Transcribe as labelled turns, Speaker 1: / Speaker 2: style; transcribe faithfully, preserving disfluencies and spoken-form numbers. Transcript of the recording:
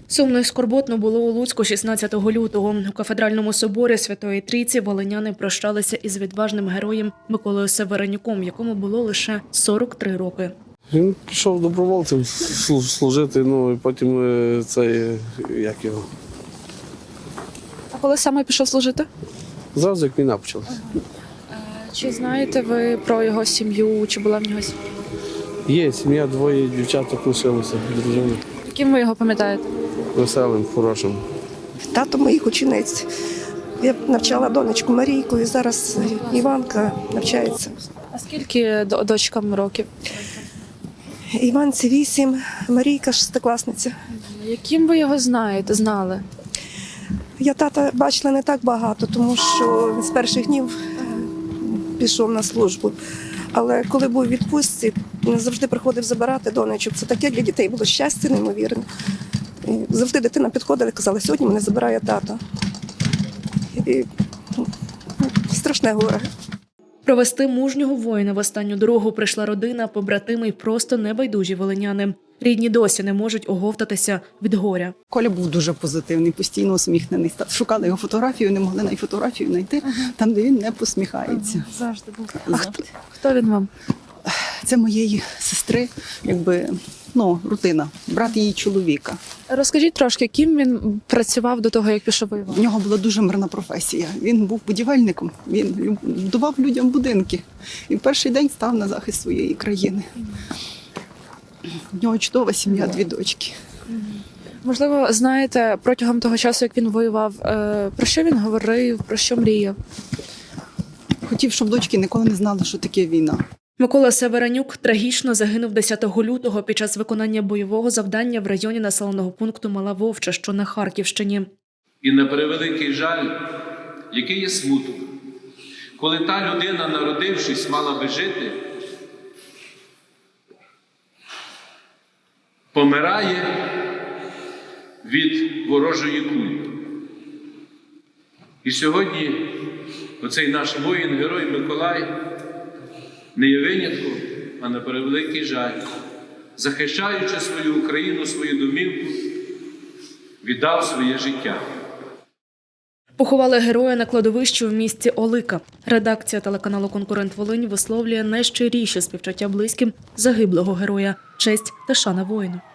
Speaker 1: Сумно і скорботно було у Луцьку шістнадцятого лютого. У кафедральному соборі Святої Трійці волиняни прощалися із відважним героєм Миколою Северенюком, якому було лише сорок три роки.
Speaker 2: Він пішов добровольцем служити, ну і потім е, цей, як його,
Speaker 3: А коли саме пішов служити?
Speaker 2: зразу як війна почалася.
Speaker 3: Чи знаєте ви про його сім'ю, чи була в нього сім'я?
Speaker 2: Є сім'я, двоє дівчаток лишилося, дружини.
Speaker 3: Яким ви його пам'ятаєте?
Speaker 2: Веселим, хорошим.
Speaker 4: Тато моїх учениць. Я навчала донечку Марійку, і зараз Іванка навчається.
Speaker 3: А скільки до- дочкам років?
Speaker 4: Іванці вісім, Марійка шестикласниця.
Speaker 3: Яким ви його знаєте, знали?
Speaker 4: Я тата бачила не так багато, тому що він з перших днів пішов на службу. Але коли був у відпустці, він завжди приходив забирати донечок. Це таке для дітей було щастя неймовірне. І завжди дитина підходила і казала, сьогодні мене забирає тато. І ну, страшне горе.
Speaker 1: Провести мужнього воїна в останню дорогу прийшла родина, побратими й просто небайдужі волиняни. Рідні досі не можуть оговтатися від горя.
Speaker 5: Коля був дуже позитивний, постійно усміхнений. Шукали його фотографію, не могли навіть фотографію знайти, там, де він не посміхається.
Speaker 3: Завжди був. А
Speaker 5: Завжди.
Speaker 3: хто, хто він вам?
Speaker 5: Це моєї сестри, якби, ну, рутина, брат її чоловіка.
Speaker 3: Розкажіть трошки, ким він працював до того, як пішов воювати?
Speaker 5: В нього була дуже мирна професія. Він був будівельником, він люб- будував людям будинки. І в перший день став на захист своєї країни. В нього чудова сім'я, дві дочки.
Speaker 3: Можливо, знаєте, протягом того часу, як він воював, е, про що він говорив, про що мріяв?
Speaker 5: Хотів, щоб дочки ніколи не знали, що таке війна.
Speaker 1: Микола Северенюк трагічно загинув десятого лютого під час виконання бойового завдання в районі населеного пункту Мала Вовча, що на Харківщині.
Speaker 6: І на превеликий жаль, який є смуток, коли та людина, народившись, мала би жити, помирає від ворожої кулі. І сьогодні оцей наш воїн-герой Миколай не є винятком, а на превеликий жаль, захищаючи свою Україну, свою домівку, віддав своє життя.
Speaker 1: Поховали героя на кладовищі у місті Олика. Редакція телеканалу «Конкурент Волинь» висловлює найщиріші співчуття близьким загиблого героя. Честь та шана воїну.